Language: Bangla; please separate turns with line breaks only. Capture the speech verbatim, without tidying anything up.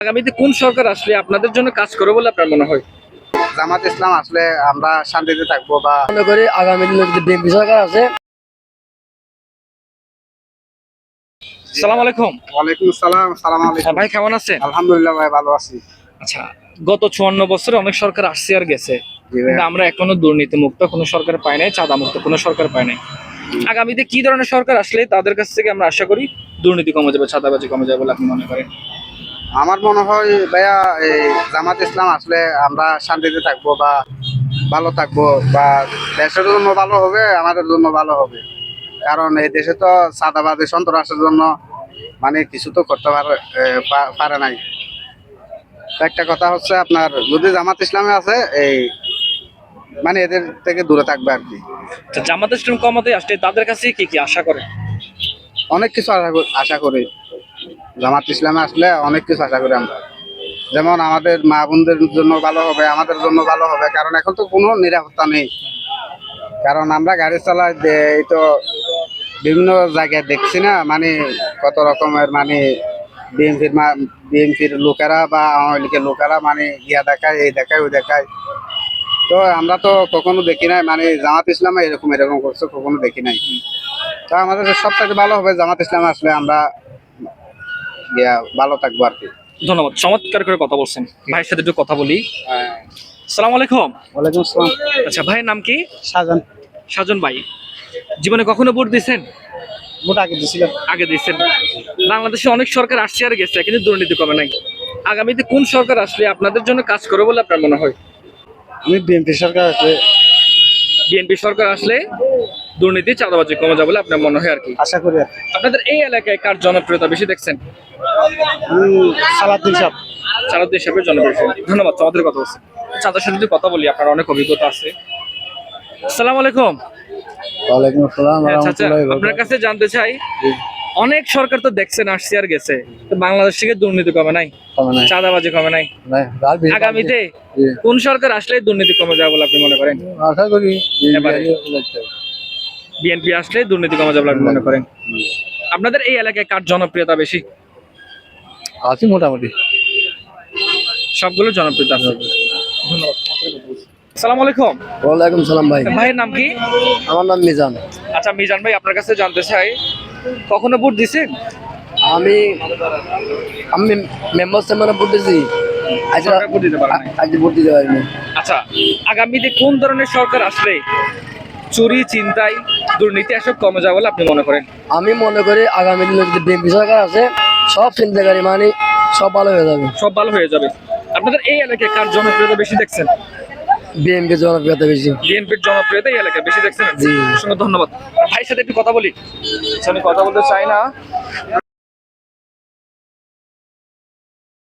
আগামীতে কোন সরকার আসলে আপনাদের জন্য কাজ করবে বলে আপনার মনে হয়?
জামাত ইসলাম আসলে আমরা শান্তিতে থাকবো বা
মনে করি আগামী দিনে যদি বিএনপি সরকার আছে।
আসসালামু আলাইকুম।
ওয়ালাইকুম আসসালাম। সালাম
হ্যাঁ
আলাইকুম
ভাই, কেমন আছেন?
আলহামদুলিল্লাহ ভাই, ভালো আছি।
আচ্ছা, গত চুয়ান্ন বছরে অনেক সরকার আসছে আর গেছে,
জি ভাই।
কিন্তু আমরা এখনো দুর্নীতি মুক্ত কোনো সরকার পাই নাই, চাঁদা মুক্ত কোনো সরকার পাই নাই। আগামীতে কি ধরনের সরকার আসলে তাদের কাছ থেকে আমরা আশা করি দুর্নীতি কমে যাবে, চাঁদাবাজি কমে যাবে বলে আপনি মনে করেন?
আমার মনে হয় ভাইয়া এই জামাত ইসলাম আসলে আমরা শান্তিতে থাকবো বা ভালো থাকবো বা দেশের জন্য ভালো হবে, আমাদের জন্য ভালো হবে। কারণ এই দেশে তো চাঁদাবাজি সন্ত্রাসের জন্য মানে কিছু তো করতে পারে এ, পা- পারে নাই। তো একটা কথা হচ্ছে আপনার যদি জামাত ইসলামে আছে এই মানে এদের থেকে দূরে থাকবে আর কি।
তো জামাত ইসলাম কমাতে আসলে তাদের কাছে কি কি আশা করেন?
অনেক কিছু আশা করি আশা করি জামাত ইসলামে আসলে অনেক কিছু আশা করি আমরা। যেমন আমাদের মা বোনদের জন্য ভালো হবে, আমাদের জন্য ভালো হবে। কারণ এখন তো কোনো নিরাপত্তা নেই। কারণ আমরা গাড়ি চালাই যে- এই তো বিভিন্ন জায়গায় দেখছি না, মানে কত রকমের মানে বিএনপির বিএনপির লোকেরা বা আওয়ামী লীগের লোকেরা মানে ইয়া দেখায়, এই দেখায়, ওই দেখায়। তো আমরা তো কখনো দেখি নাই মানে জামাত ইসলামে এরকম এরকম করছে, কখনো দেখি নাই। তো আমাদের সবথেকে ভালো হবে জামাত ইসলামে আসলে আমরা ইয়া ভালো থাকবো আর কি।
ধন্যবাদ, চমৎকার করে কথা বলছেন। ভাইয়ের সাথে একটু কথা বলি। আসসালামু আলাইকুম।
ওয়ালাইকুম আসসালাম।
আচ্ছা, ভাইয়ের নাম কি?
সাজান।
সাজন ভাই, জীবনে কখনো ভোট দিয়েছেন?
ভোট আগে দিয়েছিলাম।
আগে দিয়েছেন। বাংলাদেশে অনেক সরকার আসছে আর গেছে, কিন্তু দুর্নীতি কমে নাই। আগামীতে কোন সরকার আসলে আপনাদের জন্য কাজ করবে বলে আপনার মনে হয়?
আমি বিএনপি সরকার আসলে
বিএনপি সরকার আসলে দুর্নীতি, চাঁদাবাজি কমে যাবে বলে আপনার মনে হয় আর কি।
আশা করি আর কি।
আপনাদের এই এলাকায় কার জনপ্রিয়তা বেশি দেখছেন?
আমি সালাউদ্দিন সাহেব।
চাঁদাবাজি হিসাবে জনপ্রিয়। ধন্যবাদ, চমৎকার কথা বলছেন। চাঁদার সাথে যদি কথা বলি, আপনার অনেক অভিজ্ঞতা আছে। আসসালামু আলাইকুম।
ওয়ালাইকুম আসসালাম।
আচ্ছা আচ্ছা, আপনার কাছে জানতে চাই, অনেক সরকার তো দেখছেন আসছে আর গেছে, তো বাংলাদেশ থেকে দুর্নীতি কমে নাই, চাঁদাবাজি কমে নাই। আগামীতে কোন সরকার আসলে দুর্নীতি কমে যাবে বলে আপনি মনে করেন?
আশা করি
এবারে বিএনপি আসলে দুর্নীতি কমে যাবে বলে আপনি মনে করেন? আপনাদের এই এলাকায় কার জনপ্রিয়তা বেশি?
আছি মোটামুটি।
সবগুলো জনপ্রিয়তা আছে। ধন্যবাদ। আসসালামু আলাইকুম।
ওয়ালাইকুম সালাম ভাই।
ভাইয়ের নাম কি?
আমার নাম মিজান।
আচ্ছা মিজান ভাই, আপনার কাছে জানতে চাই, কখনো ভোট দিছেন?
আমি আমি মেম্বার চেম্বারে ভোট দিয়েছি। আজ
সরকার ভোট দিতে পারে নাই।
আজ ভোট দিতে পারিনি।
আচ্ছা, আগামীতে কোন ধরনের সরকার আসলে চুরি, চিন্তাই, দুর্নীতি এসব কমে যাবে বলে আপনি মনে করেন?
আমি মনে করি আগামী দিনে যদি বিএনপি সরকার আছে, সব চিন্তাকারী মানে সব ভালো হয়ে যাবে।
সব ভালো হয়ে যাবে। আপনাদের এই এলাকায় কার জনপ্রিয়তা বেশি দেখছেন?
বিএনপি জনপ্রিয়তা বেশি।
বিএনপির জনপ্রিয়তা এই এলাকায় বেশি দেখছেন?
জি।
অসংখ্য ধন্যবাদ। ভাইয়ের সাথে একটু কথা বলি। আচ্ছা, আমি কথা বলতে চাই না।